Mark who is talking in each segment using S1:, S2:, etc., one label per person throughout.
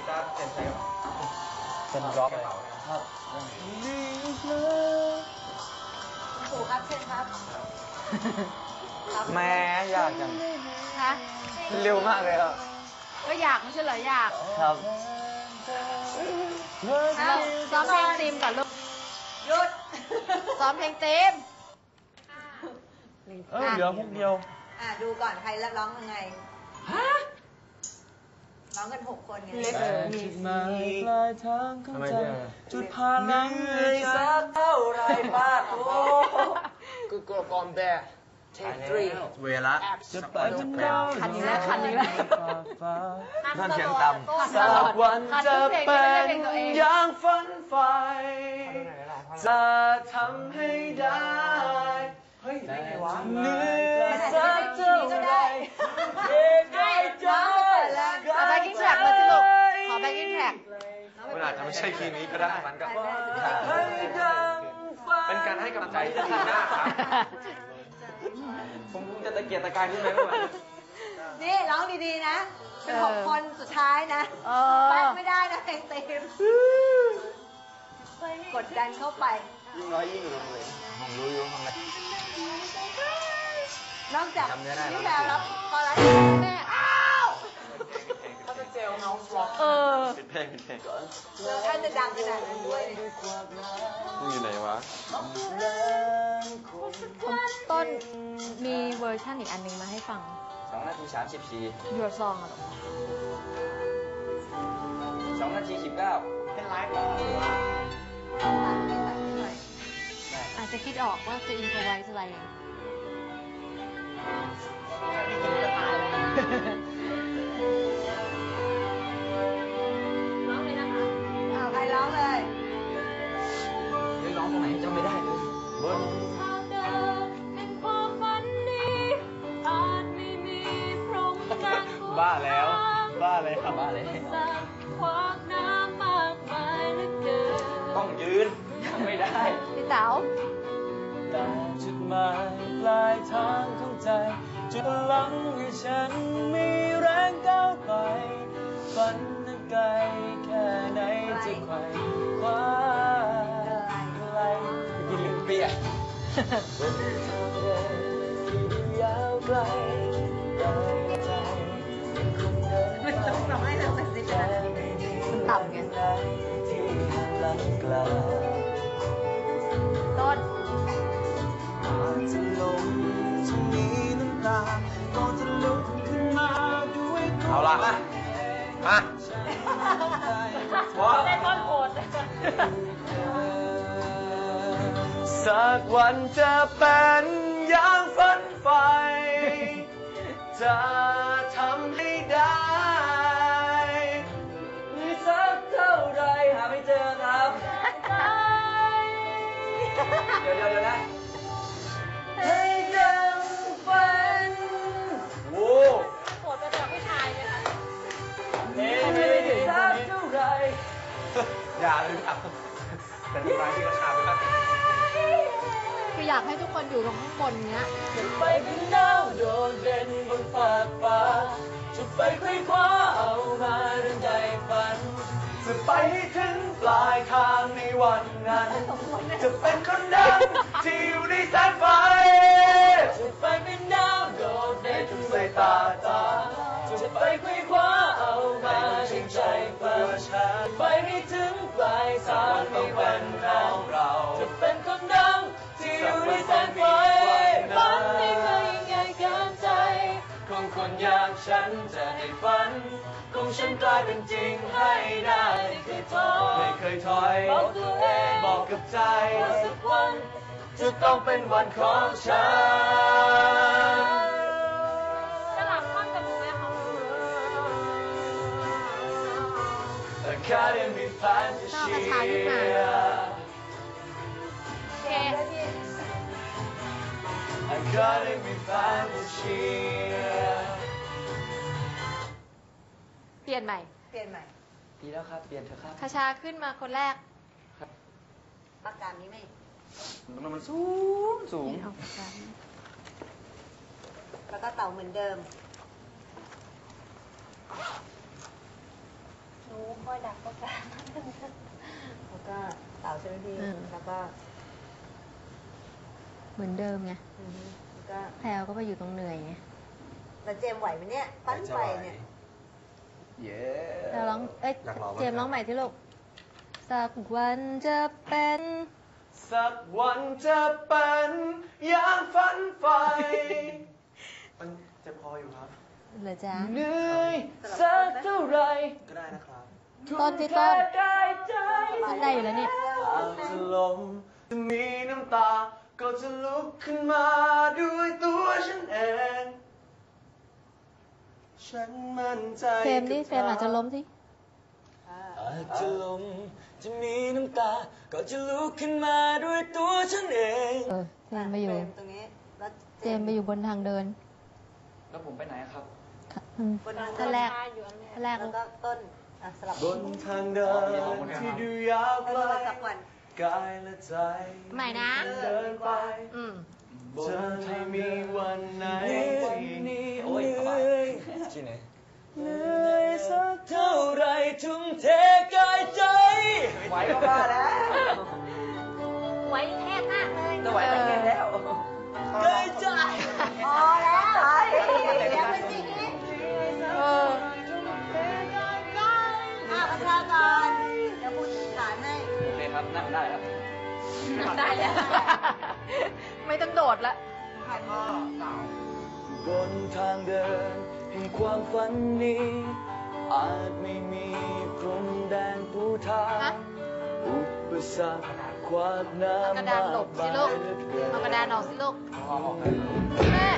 S1: ตาร์เซ็นใช้
S2: เป็นร็อกเลยครับ
S3: ปู่ครับเชิญครับ
S2: แม่อยากจัง
S3: ฮะ
S2: เร็วมากเลยครับ
S3: ก็อยากไม่ใช่เหรออยาก
S2: ครับ
S3: ซ้อมเพลงตีมก่อนลูกหยุดซ้อมเพลงตีม
S2: เหลือพวกเดียว
S4: ดูก่อนใครแล้วร้องยังไงร้องกัน6 คนไง
S2: จุดหมายปลายทางของใจจุดผ่านเหนื่อยสักเท่าไรบ้างโอ้กูกลัวกอมแบะเทคทรีเวลาจะไปจนเรา
S3: คันนี้แล้ว
S2: นั่นเสียงต่ำสักวันจะเป็นอย่างฝันใฝ่จะทำให้ได้เฮ้ยได้ไงวะเหนื่อยสักเท่าไรเพียงใจ
S3: ขอแบ็กกิ้งแทร็กมาสิลูกขอแบ็กกิ้งแทร็ก
S1: มันอาจจะไม่ใช่คีย์นี้ก็ได้มันก็เป็นการให้กำลังใจที่ดีมากครับผมจะตะเกียกตะกายขึ้นไหมไม่ไหว
S4: นี่ร้องดีๆนะ เป็น6 คนสุดท้ายนะแป๊กไม่ได้นะเพลงตีมกดดันเข้าไป
S1: ยิ่งน้อยยิ่งลงเลยผมรู้อยู่ข้างใน
S4: นอกจากพี่แพรรับพอแล้วแม่
S1: ถ้าจะเจลน้องฟล็อกปิดเพลงก่อน
S4: ท่านจะดังขนาดนั้นด้วย
S1: มึงอยู่ไหนวะ
S3: ต้นมีเวอร์ชันอีกอันนึงมาให้ฟัง
S2: 2 นาที 34
S3: Your Song อะ
S2: 2 นาที 19เป็นไลฟ์
S3: อาจจะคิดออกว่าจะอินโฟไวส์อะไรร้องเลยนะคะ
S4: ใครร้องเลย
S2: ร้องตรงไหนจำไม่ได้เลยบนบ้าแล้วบ้าเลยครับบ้าเลยต้องยืนไม่ได้
S3: พี่เต๋า
S2: แต่จุดหมายปลายทางของใจจุดพลังให้ฉันมีแรงก้าวไปฝันนั้นไกลแค่ไหนจะไขว่คว้าไกลกินลิ้นเปียกบนทางเดินที่ยาวไกลใจยังคงเดินไป
S3: มันต่ำไง
S2: ที่หลังกลา
S3: ต้น
S2: อาจจะลงจะมีน้ำตาก่อนจะลุกขึ้นมาด้วยเอาละมา
S3: ได้ต้นโหด
S2: สักวันจะเป็นอย่างฝันใฝ่จะทำให้ได้มีสักเท่าไรหาไม่เจอครับเดี๋ยวนะให้ดังฝันโว้
S3: โหดจะแบบผู้ชายเลยค่ะ
S2: มีสักเท่าไร
S1: อย่าเลยครับเป็นรายที่ราคาไม่มาก
S3: คืออยากให้ทุกคนอยู่ตรงข้างบนเนี้ย
S2: จะไปเป็นดาวโดดเด่นบนฟากฟ้าจะไปค่อยคว้าเอามาดังใจฝันจะไปให้ถึงปลายทางในวันนั้นจะเป็นคนดังที่อยู่ในแสงไฟจะไปเป็นดาวโดดเด่นทุกสายตาจะไปค่อยคว้าเอามาดังใจฝันไปให้ถึงปลายทางในวันของเราจะเป็นคนดังที่อยู่ในแสงไฟฝันไม่เคยยิ่งใหญ่เกินใจของคนอย่างฉันจะให้ฝันของฉันกลายเป็นจริงให้ได้ไม่เคยถอยบอกตัวเองบอกกับใจว่าสักวันจะต้องเป็นวันของฉัน
S3: จะหลับข้างกับมือไหมคะ
S2: Academy Fantasy
S3: โอเค
S2: Academy Fantasy
S3: เปลี่ยนใหม่
S2: ดีแล้วครับเปลี่ยนเถอะครับ
S3: คาชาขึ้นมาคนแรก
S4: ปากกานี้ไม่
S1: มันสูง
S4: แล้วก็เต่าเหมือนเดิม หนู
S3: นูคอยดักประกาศ
S4: แล้วก็เต่าใช่ไหมพี่แล้วก็
S3: เหมือนเดิมไง
S4: แล้วก็
S3: แพลวก็ไปอยู่ตรงเหนื่อยไง
S4: แล้วเจมส์ไหวไหมเนี่ยปั้นไปเนี่ย
S1: เย้
S3: แพลวร้องเอ้ย
S1: อยากร้อง
S3: เจมส์ร้องใหม่ที่ลูกสักวันจะเป็น
S2: สักวันจะเป็นอย่างฝันใฝ่
S1: มันเจ็บคออยู่ครับ
S3: เหรอจ๊ะ
S2: เหนื่อยสักเท่าไร
S1: ก็ได้นะครับ
S3: ต้นที่ต้น
S2: กายใจ
S3: ได้อยู่แล้วนี่
S2: อาจจะลมจะมีน้ำตา ก็จะลุกขึ้นมาด้วยตัวฉันเอง ฉันมั่นใจ
S3: เฟรมนี่เฟรมอาจจะล้มสิ
S2: อาจจะลมจะมีน้ำตา ก็จะลุกขึ้นมาด้วยตัวฉันเอง
S3: เฟรมไปอยู่
S4: ตรงนี้แล้ว
S3: เจมส์ไปอยู่บนทางเดิน
S2: แล้วผมไปไหนครับ
S4: บนทาง
S3: ท่านแรกท่านแรก
S4: แล้วก็ต้นสลับบ
S2: นทางเดินที่ดูยาวไกล
S4: สักวัน
S2: กายและใจ
S3: ใหม่นะ
S2: เดินไป
S3: อืม
S2: จะไม่มีวันไหนที่นี้โอ้ยที่ไหนเหนื่อยสักเท่าไรทุ่มเทกายใจไหวก็บ้าแล้ว
S3: ไหวแทกมากเลย
S2: จะไหวไปไงแล้วกายใจ
S4: พอแล้วเดี๋ยวเป็นจริงนี่ ประชากรเดี๋ยวพูดฐานให้
S2: โอเคครับนั่งได้แล้ว
S3: ได้แล้ว ไม่ต้องโดดละ
S2: บนทางเดินแห่งความฝันนี้ อาจไม่มีพรมแดนปูทาง
S3: ฮะ
S2: อุปสรรคขวากน้ำ
S3: เอากระดานหลบสิลูก เอากระดานออกสิลูก แม่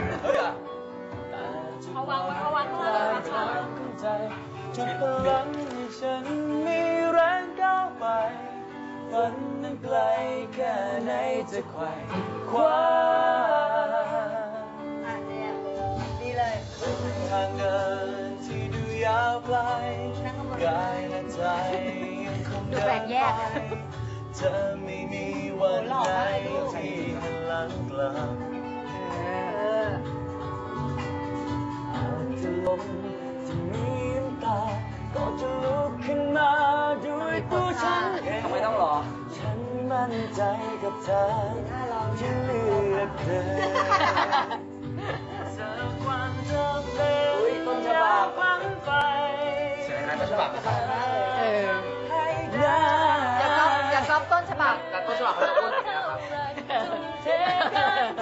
S2: เขาวางใจจุดพลังให้ฉันมีแรงก้าวไป ฝันนั้นไกลแค่ไหนจะไขว่คว้า
S4: เนี่ยดีเลย
S2: ทางเดินที่ดูยาวไกลกายและใจยังคง
S3: ดู
S2: เดิ
S3: แบ่
S2: น
S3: ง
S2: ไป
S3: แยก
S2: เธอไม่มีวันไหนที่หันหลังกลับอาจจะล้มจะมีน้ำตา ก็จะลุกขึ้นมาด้วยตัวฉันเองไม่ต้องรอ ฉันมั่นใจกับเธอที่เลือกเธอ สักวันจะเป็นต้นฉบับฝันไป
S1: เสียงนะต้นฉบับนะครับ
S3: เออ
S2: ให้ได้
S3: อย่าก๊อปต้นฉบับ
S1: แต่ต้นฉบับเขาจะอ้วนอย่างนี้นะครับ
S2: เทกันใจ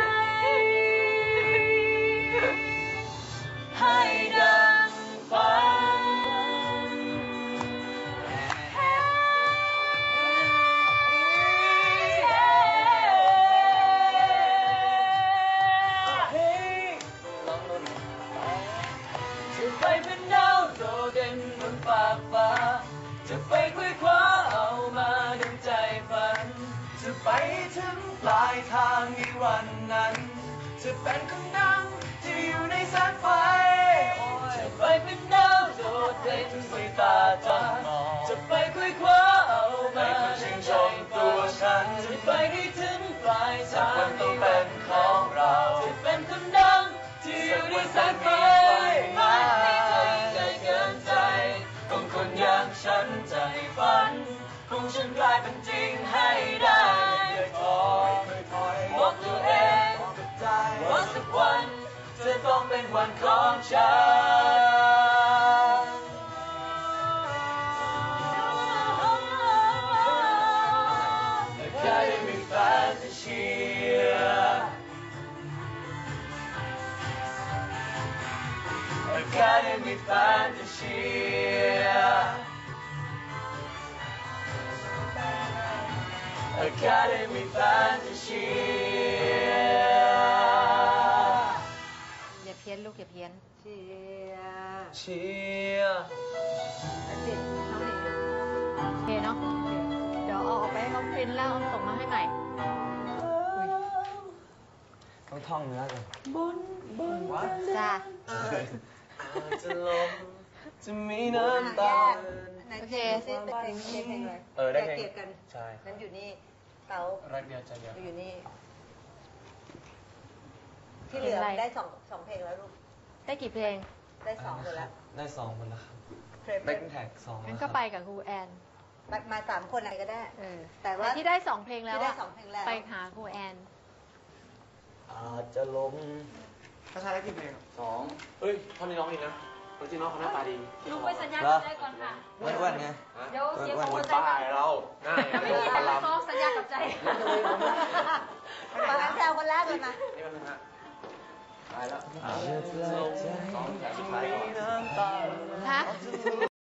S2: ให้ดังฝันจะไปเป็นดาวโดดเด่นบนฟ้ากฟ้า จะไปคุยคว้าเอามาดังใจฝัน จะไปถึงปลายทางในวันนั้น จะเป็นคนดังที่อยู่ในแสงไฟ จะไปเป็นดาวโดดเด่นสายตาจันจะไปคุยคว้าเอามาชื่นชมตัวฉัน จะไปให้ถึงปลายทางในวันของเรา จะเป็นคนดังที่อยู่ในแสงไฟมันไม่เคยไกลเกินใจของคนอย่างฉันใจฝันของฉันกลายเป็นจริงให้ได้ไม่เคยถอยบอกตัวเองว่าสักวันจะต้องเป็นวันของฉัน Academy Fantasia Academy Fantasia Academy Fantasia
S3: อย่าเพี้ยนลูกอย่าเพี้ยน
S4: เชียร์
S2: เชียร์
S4: ติดน้องหลิง
S3: โอเคเนาะ เดี๋ยวเอาออกไปให้เขาปริ้นแล้วเอาส่งมาให้ใหม่
S2: ต้องท่องเนื้อกัน
S3: จ้า
S2: อาจจะล้มจะมีน้ำตา
S3: โอเค
S4: เป็นเพลงเลย
S2: ได้เพลง
S4: เกลียดกัน
S2: ใช่
S4: นั้นอยู่นี่เต๋า
S2: รักเดียวใจเดียว
S4: อยู่นี่ ที่เหลือได้สองเพลงแล้วลูก
S3: ได้กี่เพลง
S4: ได้สองหมดแล้ว
S2: ได้2 คนแล้วครับ
S1: แบ็คแท็ก2
S3: งั้นก็ไปกับครูแอน
S4: มา3 คนอะไรก็ได้ แต่ว่า
S3: แต่ที่ได้2 เพลงแล้ว
S4: ที่ได้
S3: อะ
S4: 2 เพลงแล้ว
S3: ไปหาครูแอน
S2: อาจจะล้ม
S1: ถ้าใช้ได้กี่เพลง
S2: 2 เอ้ยท่อนนี้ร้องดีนะจริงๆน้องเขาหน้าตาดี
S5: ลุงไปสัญญากับใจก่อนค่ะ
S2: อ้วนๆไง
S5: เดี๋ยวเสีย
S2: อ้
S5: ข
S2: ว
S5: อน ง
S2: ๆ
S5: ใจ
S2: บ้าเราหน้า
S5: ถ้าไม่มีใครมาฟ้องสัญญากับใจ
S4: มาแซวคนแรกเลยมา
S2: นี่มันนะตายแล้ว
S1: 2 แถวสุดท้ายก่อน
S3: ฮะ